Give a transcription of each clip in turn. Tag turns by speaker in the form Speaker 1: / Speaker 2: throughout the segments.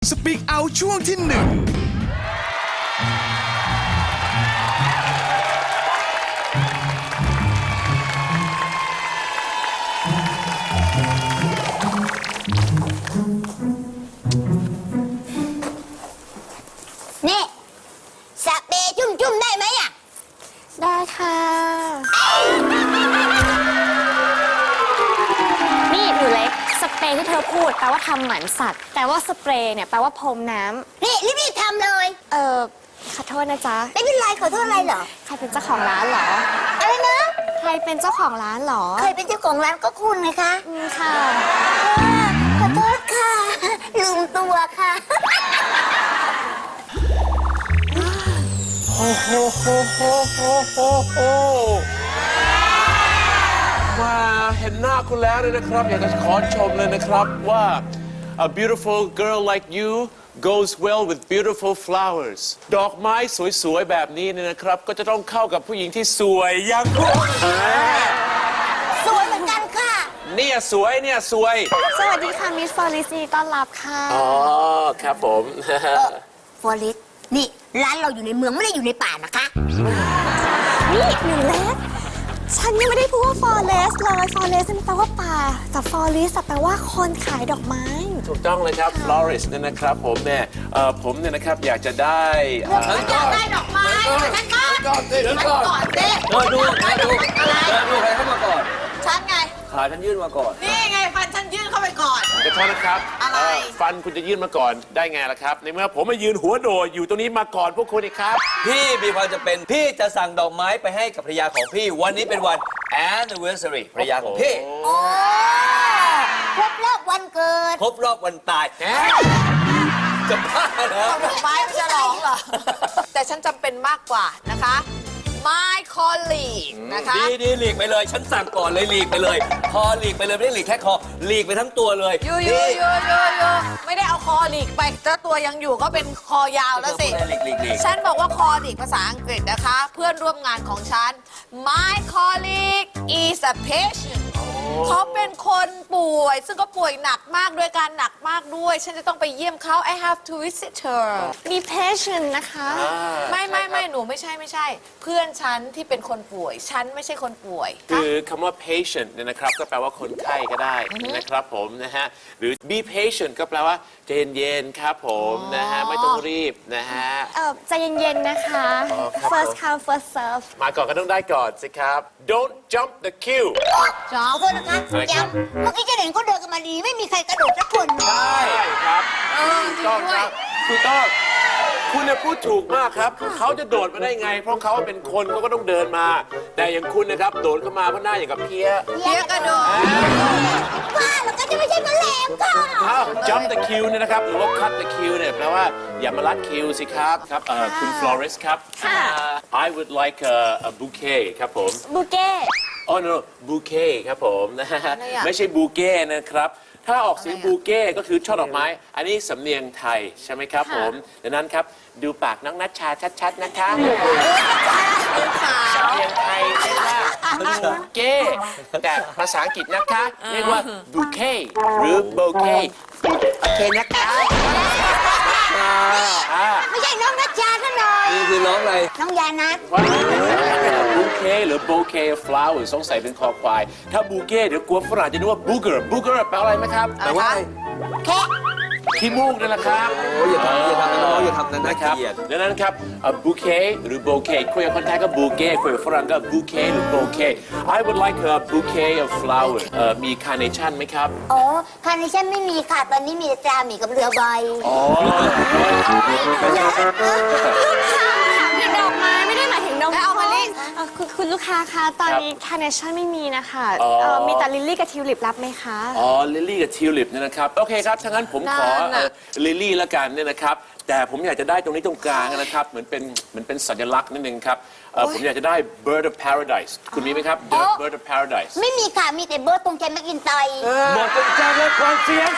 Speaker 1: Speak Out ช่วงที่หนึ่ง
Speaker 2: นี่สเปรย์จุ่มๆได้ไหมอ่ะ
Speaker 3: ได้ค่ะนี่หนูเล็กสเปรย์ที่เธอพูดแปลว่าทำหมันสัตว์แต่ว่าสเปรย์เนี่ยแปลว่าพรมน้ำ
Speaker 2: นี่รีบๆทำเลย
Speaker 3: ขอโทษนะจ๊ะ
Speaker 2: ไม่เป็นไรขอโทษอะไรเหรอ
Speaker 3: ใครเป็นเจ้าของร้านเหรอ
Speaker 2: อะไรนะ
Speaker 3: ใครเป็นเจ้าของร้านเหรอ
Speaker 2: เคยเป็นเจ้าของร้านก็คุณไงคะ
Speaker 3: ค่ะ
Speaker 2: ขอโทษค่ะลืมตัวค่ะ
Speaker 4: โอ้โหมาเห็นหน้าคุณแล้วเนี่ยนะครับอยากจะขอชมเลยนะครับว่า a beautiful girl like you goes well with beautiful flowers ดอกไม้สวยๆแบบนี้เนี่ยนะครับก็จะต้องเข้ากับผู้หญิงที่สวยอย่างคุณ
Speaker 2: สวยเหมือนกันค่ะ
Speaker 4: เนี่ยสวย
Speaker 3: สวัสดีค่ะมิสฟอริซีต้อนรับค่ะ
Speaker 4: อ๋อครับผม
Speaker 2: ฟอริสนี่ร้านเราอยู่ในเมืองไม่ได้อยู่ในป่านะคะ
Speaker 3: นี่หนูเล็กฉันยังไม่ได้พูดว่า forest เลย forest มันแปลว่าป่าแต่ forest แปลว่าคนขายดอกไม้
Speaker 4: ถูกต้องเลยครับ florist เนี่ยนะครับผมเนี่ยนะครับอยากจะได้
Speaker 2: ฉันอยากได้ดอกไม้ฉันก่อนเดินก่อน
Speaker 5: ดูใครเข้ามาก่อน
Speaker 2: ฉันไง
Speaker 5: ขาฉันยื่นมาก่อน
Speaker 2: นี่ไงฟันฉันยื่นเข้าไปก่อน
Speaker 4: เดี๋ยวโทษนะครับอะไรฟันคุณจะยื่นมาก่อนได้ไงล่ะครับในเมื่อผมมายืนหัวโดดอยู่ตรงนี้มาก่อนพวกคุณอีกครับ
Speaker 5: พี่มีความจะเป็นพี่จะสั่งดอกไม้ไปให้กับภรรยาของพี่วันนี้เป็นวัน anniversary ภรรยาของพี่
Speaker 2: ครบรอบวันเกิด
Speaker 5: ครบรอบวันตายจะบ้าเหรอ
Speaker 6: ดอกไม้ไม่จะร้องเหรอแต่ฉันจำเป็นมากกว่านะคะMy colleague นะคะ
Speaker 5: ดีหลีกไปเลยฉันสั่งก่อนเลยหลีกไปเลยคอหลีกไปเลยไม่ได้หลีกแค่คอหลีกไปทั้งตัวเลย
Speaker 6: ยูไม่ได้เอาคอหลีกไปถ้าตัวยังอยู่ก็เป็นคอยาวแล้วสิฉันบอกว่าคอหลีกภาษาอังกฤษนะคะเพื่อนร่วมงานของฉัน My colleague is a patient เขาเป็นคนป่วยซึ่งก็ป่วยหนักมากด้วยการหนักมากด้วยฉันจะต้องไปเยี่ยมเขา I have to visit her
Speaker 3: มี patient นะคะ
Speaker 6: ไม่หนูไม่ใช่เพื่อนฉันที่เป็นคนป่วยฉันไม่ใช่คนป่วย
Speaker 4: คือคำว่า patient เนี่ยนะครับก็แปลว่าคนไข้ก็ได้นะครับผมนะฮะหรือ be patient ก็แปลว่าใจเย็นๆครับผมนะฮะไม่ต้องรีบนะฮะ
Speaker 3: ใจเย็นๆนะคะ first come first serve
Speaker 4: มาก่อนก็ต้องได้ก่อนสิครับ don't jump the queue
Speaker 2: ขอโทษนะคะย้ำเมื่อกี้จะเห็นเขาเดินกันมาดีไม่มีใครกระโดดสักคน
Speaker 4: ใช่ครับถูกต้องครับถูกต้องคุณเนี่ยพูดถูกมากครับเขาจะโดดมาได้ไงเพราะเขาเป็นคนเขาก็ต้องเดินมาแต่อย่างคุณนะครับโดดเข้ามาเพราะหน้าอย่างกับเพี้ย
Speaker 6: กระโดด
Speaker 2: ว่าแล้วก็จะไม่ใช่แมลงค่ะ
Speaker 4: jump the queue เนี่ยนะครับหรือว่า cut the queue เนี่ยแปลว่าอย่ามาลัดคิวสิครับครับคุณ florist ครับ I would like a bouquet ครับผม
Speaker 3: bouquet
Speaker 4: no bouquet ครับผมนะฮะไม่ใช่บูเก้นะครับถ้าออกเสียงบูเก้ก็คือช่อดอกไม้อันนี้สำเนียงไทยใช่ไหมครับผมดังนั้นครับดูปากน้องนัชชาชัดๆนะคะสำเนียงไทยเรียกว่าบูเก้แต่ภาษาอังกฤษนะคะเรียกว่าบูเก้หรือโบเก้โอเคนะคะ
Speaker 2: ไม่ใช่น้องนัชชาซะหน่อย
Speaker 5: นี่คือน้องอะไร
Speaker 2: น้องยานัท
Speaker 4: บูเก้หรือโบเก้ flower สงสัยเป็นคอควายถ้าบูเก้เดี๋ยวกลัวฝรั่งจะนึกว่าบูเกอร์แปลอะไรไหมครับ
Speaker 5: แปลว่า
Speaker 2: แค่
Speaker 4: ขี้มูกนั่นแหละครับ
Speaker 5: โอ้ยอย่าทำนะน้องอย่าทำนะ
Speaker 4: นะครับดังนั้นครับบูเก้หรือโบเก้คุยกับคนไทยก็บูเก้คุยกับฝรั่งก็บูเก้หรือโบเก้ I would like a bouquet of flowers มีคาร์เนชั่นไหมครับ
Speaker 2: อ๋อคาร์เนชั่นไม่มีค่ะตอนนี้มีแต่จาหมีกับเรือใบ
Speaker 3: อ๋อถึงดอกไม้ไม่ได้หมายถึงดอกไม้เอามาลิคุณลูกค้าคะตอนนี้คาร์เนชั่นไม่มีนะคะมีแต่ลิลลี่กับทิวลิปรับไหมคะ
Speaker 4: อ๋อลิลลี่กับทิวลิปเนี่ยนะครับโอเคครับถ้างั้นผมขอลิลลี่ละกันเนี่ยนะครับแต่ผมอยากจะได้ตรงนี้ตรงกลางนะครับเหมือนเป็นสัญลักษณ์นิดนึงครับผมอยากจะได้ bird of paradise คุณมีไหมครับ bird of paradise
Speaker 2: ไม่มีค่ะมีแต่เบิร์ดตรงใจแม็กอินไต
Speaker 5: หมดจนใจเลยความเสียง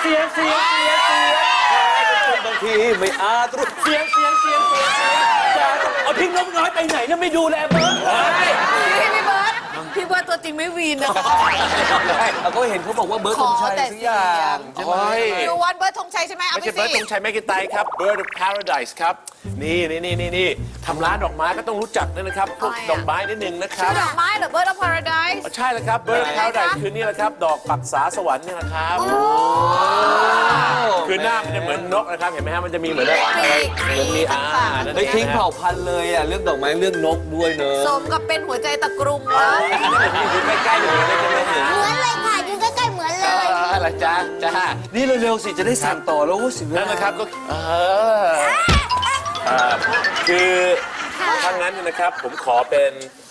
Speaker 5: บางทีไม่อาจรู้เสียงเอาทิ้งนกน้อยไปไหนนะไม่ดูแลเบิร์ด
Speaker 6: พี่เบิร์ดพี่ว่าตัวจริงไม่วีนนะคะ
Speaker 5: เราก็เห็นเขาบอกว่าเบิร์ดธงชัยสักอย่างใช่ไหม
Speaker 4: โอ้ย
Speaker 6: ดูวันเบิร์ดธงชัยใช่ไหมเอา
Speaker 4: ไม่
Speaker 6: ไป
Speaker 4: ใช่เบิร์ด
Speaker 6: สิ
Speaker 4: ธงชัยแมกกินไตครับ Bird of Paradise ครับ นี่ทำร้านดอกไม้ก็ต้องรู้จักด้วยนะครับพวกดอกไม้นิดนึงนะค
Speaker 6: ชื่
Speaker 4: รั
Speaker 6: อบ ดอกไม้เหรอ Bird of Paradise
Speaker 4: ใช่แล้วครับ Bird of Paradise คือนี่แหละครับ ดอกปักษาสวรรค์นี่แหละครับ คือหน้ามันจะเหมือนนกนะครับ เห็นไหมฮะมันจะมีเหมือนอะไรเหมือนมีนั่น
Speaker 5: ไม่
Speaker 4: เอง
Speaker 5: ทิ้ง
Speaker 4: นะ
Speaker 5: เผ่าพันธุ์เลยอ่ะเรื่องดอกไม้เรื่องนกด้วยเนอะ
Speaker 6: สมกับเป็นหัวใจตะกรุมนะ
Speaker 4: อยู่ใกล้ๆอยู่เลยใช่ไหมฮะ
Speaker 2: เหมือนเลยค่ะอยู่ใกล้ๆเหมือนเลย
Speaker 4: อะไรจ้า
Speaker 5: นี่เร็วๆสิจะได้สั่งต่อแล้วสิ
Speaker 4: นั่นนะครับก็คือถ้างั้นนะครับผมขอเป็น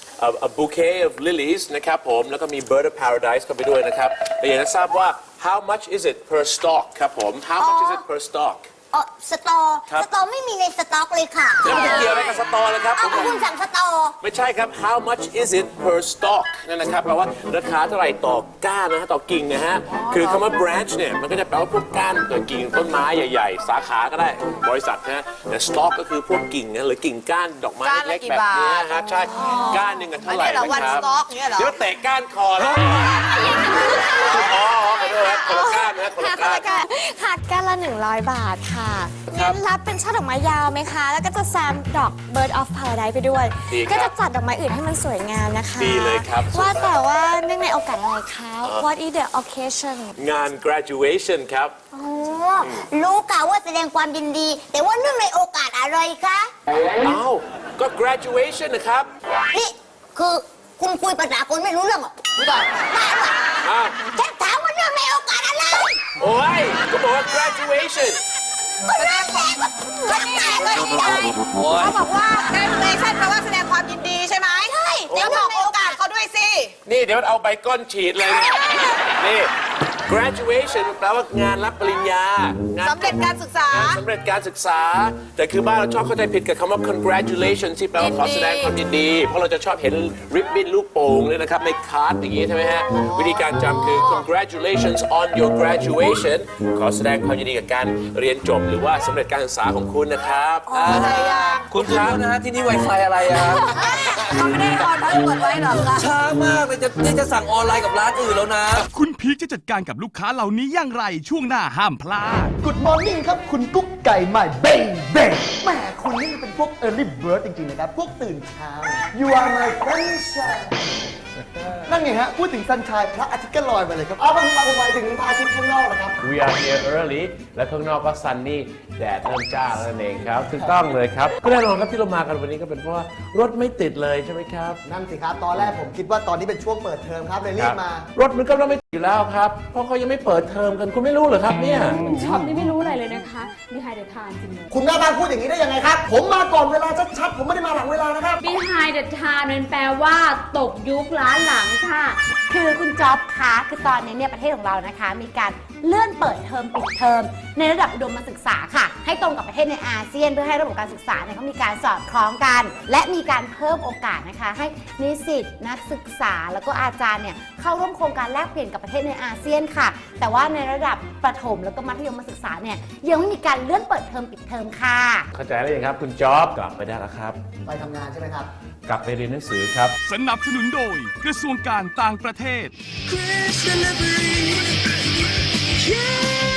Speaker 4: a bouquet of lilies นะครับผมแล้วก็มี Bird of Paradise เข้าไปด้วยนะครับแต่อยากจะทราบว่า how much is it per stalk ครับผม how much is it per stalk
Speaker 2: สตอไม่มีในสต็อกเลยค่ะ
Speaker 4: แล้วมันเกี่ยวอะไรกับสตอเลยครับ
Speaker 2: เอา
Speaker 4: ผม
Speaker 2: คุณสั่งสตอ
Speaker 4: ไม่ใช่ครับ how much is it per stalk นั่นนะครับแปลว่าราคาเท่าไหร่ต่อก้านนะฮะต่อกิ่งนะฮะคือคำว่า branch เนี่ยมันก็จะแปลว่าพวกก้านกิ่งต้นไม้ใหญ่ๆ สาขาก็ได้บริษัทนะฮะแต่ stalk ก็คือพวกกิ่งนะหรือกิ่งก้านดอกไม้เล็กๆแบบนี้ฮะใช่ก้านหนึ่งกันเท่าไหร่
Speaker 6: อันนี้เหรอ
Speaker 4: นะ
Speaker 6: one
Speaker 4: ครับ
Speaker 6: stalk เนี่ยเหรอ
Speaker 4: เดี๋ยวเตะก้านคอแล้วอ๋อขอโทษครับคนละก้านนะคน
Speaker 3: ค่ะ
Speaker 4: ละก้าน
Speaker 3: ค่ะก้านละ100 บาทค่ะงั้นรับเป็นช่อดอกไม้ยาวไหมคะ แล้วก็จะแซมดอก Bird of Paradise ไปด้วย
Speaker 4: ดีครับ
Speaker 3: ก็จะจัดดอกไม้อื่นให้มันสวยงามนะคะ
Speaker 4: ดีเลยครับ
Speaker 3: ว่าแต่ว่าเนื่องในโอกาสอะไรคะ What is the occasion
Speaker 4: งาน graduation ครับ
Speaker 2: โอ้รู้กะว่าแสดงความยินดี แต่ว่าเนื่องในโอกาสอะไรคะ
Speaker 4: เอ้าก็ graduation นะครับ
Speaker 2: นี่คือคุณคุยภาษาคนไม่รู้เรื่องเหรอไม่ได้
Speaker 4: อ้าว
Speaker 2: ฉันถามว่าเนื่องในโอกาสอะไร
Speaker 4: โอ้ยก็บอกว่า graduation
Speaker 2: ก็เรื่องแต่ก็ก็แต่ก็ไม่ได้
Speaker 6: เขาบอกว่า graduation แปลว่าแสดงความยินดีใช่ไหม
Speaker 2: ใช่
Speaker 6: เดี๋ยวบอกโอกาสเขาด้วยสิ
Speaker 4: นี่เดี๋ยวเอาใบก้อนฉีดเลยเนี่ยนี่ graduation แปลว่างานรับปริญญางาน
Speaker 6: สำเร็จการศึกษา
Speaker 4: สำเร็จการศึกษา แต่คือบ้านเราชอบเข้าใจผิดกับคำว่า congratulations ที่แปลว่าขอแสดงความยินดี เพราะเราจะชอบเห็นริบบิ้นลูกโป่งเลยนะครับในคาร์ดอย่างนี้ใช่ไหมฮะ วิธีการจำคือ congratulations on your graduation ขอแสดงความยินดีกับการเรียนจบหรือว่าสำเร็จการศึกษาของคุณนะครับ
Speaker 5: คุณครับนะฮะที่นี่ Wi-Fi อะไรอ่ะ
Speaker 6: เขาไม่ได้ออนทั้งหมดไว้หรอกค่ะ
Speaker 5: ช้ามากเลยจะสั่งออนไลน์กับร้านอื่นแล้วนะ
Speaker 1: คุณพีคจะจัดการกับลูกค้าเหล่านี้อย่างไรช่วงหน้าห้ามพลาด
Speaker 7: Good morning ครับ คุณกุ๊กไก่ใหม่เบ้งเบ้งแหมคุณนี่มันเป็นพวก early bird จริงๆนะครับ พวกตื่นเช้า You are my sunshine นั่นไงฮะ พูดถึง sunshine พระอาทิตย์ก็ลอยมาเลยครับเอาผมหมายถึงพระอาทิตย์ข้างนอกนะครับ
Speaker 4: We are here early และข้างนอกก็ sunny แดดเริ่มจ้าแล้วนั่นเองครับถูกต้องเลยครับก็แน่นอนครับที่เรามากันวันนี้ก็เป็นเพราะว่ารถไม่ติดเลยใช่ไหมครับ
Speaker 7: นั่นสิครับ ตอนแรกผมคิดว่าตอนนี้เป็นช่วงเปิดเทอมครับเลยรีบมา
Speaker 4: รถมันก็ไม่ติดอยู่แล้วครับเพราะเขายังไม่เปิดเทอมกันคุณไม่รู้เหรอครับเนี่ย
Speaker 8: ช็อปนี่ไม่รู้อะไรเลยนะคะ Behind the Time จริงเลย
Speaker 7: คุณแม่บ้านพูดอย่างนี้ได้ยังไงครับ ผมมาก่อนเวลาชัดๆ ผมไม่ได้มาหลังเวลานะครับ
Speaker 8: Behind the Time มันแปลว่าตกยุคล้าหลังค่ะ
Speaker 9: คือคุณจ๊อบคะคือตอนนี้เนี่ยประเทศของเรานะคะ มีการเลื่อนเปิดเทอมปิดเทอมในระดับอุดมศึกษาค่ะ ให้ตรงกับประเทศในอาเซียนเพื่อให้ระบบการศึกษาเนี่ยเขามีการสอดคล้องกัน และมีการเพิ่มโอกาสนะคะ ให้นิสิตนักศึกษาแล้วก็อาจารย์เนี่ยเข้าร่วมโครงการแลกเปลี่ยนกับประเทศในอาเซียนค่ะ แต่ว่าในระดับประถมแล้วก็มัธยมศึกษาเนี่ยยังไม่มีการเลื่อนเปิดเทอมปิดเทอมค่ะ
Speaker 4: เข้าใจแล้วยังครับคุณจ๊อบกลับไปได้แล้วครับ
Speaker 7: ไปทำงานใช่ไหมครับ
Speaker 4: กลับไปเรียนหนังสือครับ
Speaker 1: สนับสนุนโดยกระทรวงการต่างประเทศ
Speaker 10: Chris Delivery. Yeah.